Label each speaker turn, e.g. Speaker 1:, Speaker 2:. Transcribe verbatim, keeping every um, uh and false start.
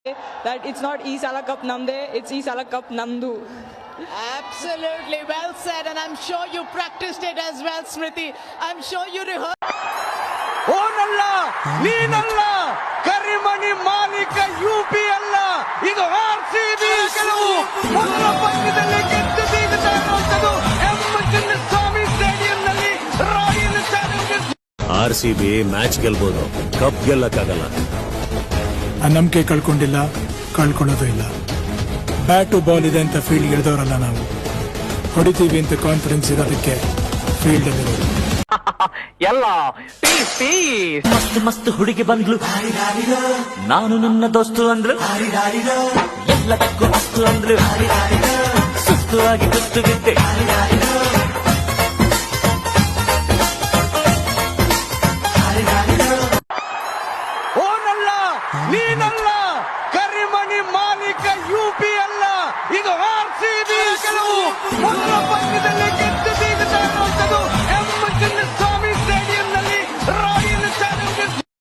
Speaker 1: that it's not E Sala Cup Namde, it's E Sala Cup Namdu.
Speaker 2: Absolutely well said, and I'm sure you practiced it as well, Smriti. I'm sure you rehearsed.
Speaker 3: ಓನಲ್ಲ ನೀನಲ್ಲ ಕರಿಮಣಿ ಮಾಲೀಕ UP ಅಲ್ಲ ಇದು R C B ಗೆಲುವು ಮೊದಲ ಪಂದ್ಯದಲ್ಲಿ ಗೆದ್ದು ಬೀಗುತ್ತಾ ಇರುವಂತದ್ದು ಎಂ ಚಿನ್ನಸ್ವಾಮಿ ಸ್ಟೇಡಿಯಂನಲ್ಲಿ royal challengers.
Speaker 4: R C B match ಗೆಲ್ಬಹುದು, ಕಪ್ ಗೆಲ್ಲಕ್ಕಾಗಲ್ಲ.
Speaker 5: ಆ ನಂಬಿಕೆ ಕಳ್ಕೊಂಡಿಲ್ಲ, ಕಳ್ಕೊಳ್ಳೋದು ಇಲ್ಲ. ಬ್ಯಾಟು ಬಾಲ್ ಇದೆ ಅಂತ ಫೀಲ್ಡ್ ಇಳಿದವರಲ್ಲ ನಾವು. ಹೊಡಿತೀವಿ ಅಂತ ಕಾನ್ಫಿಡೆನ್ಸ್ ಇರೋದಕ್ಕೆ ಫೀಲ್ಡ್ ಅಲ್ಲಿ
Speaker 6: ಎಲ್ಲ ಮಸ್ತ್ ಮಸ್ತ್ ಹುಡುಗಿ ಬಂದ್ಲು, ನಾನು ನನ್ನ ದೋಸ್ತು ಅಂದ್ರು, ಎಲ್ಲದಕ್ಕೂ ಮಸ್ತು ಅಂದ್ರು, ಸುಸ್ತು ಆಗಿ ಕುಸ್ತು ಬಿದ್ದೆ.
Speaker 3: ಓನಲ್ಲ ನೀನಲ್ಲ ಕರಿಮಣಿ ಮಾಲೀಕ ಯುಪಿ ಅಲ್ಲ ಇದು ಆರ್ ಸಿ ಬಿ ಗೆಲುವು ಮೊದಲ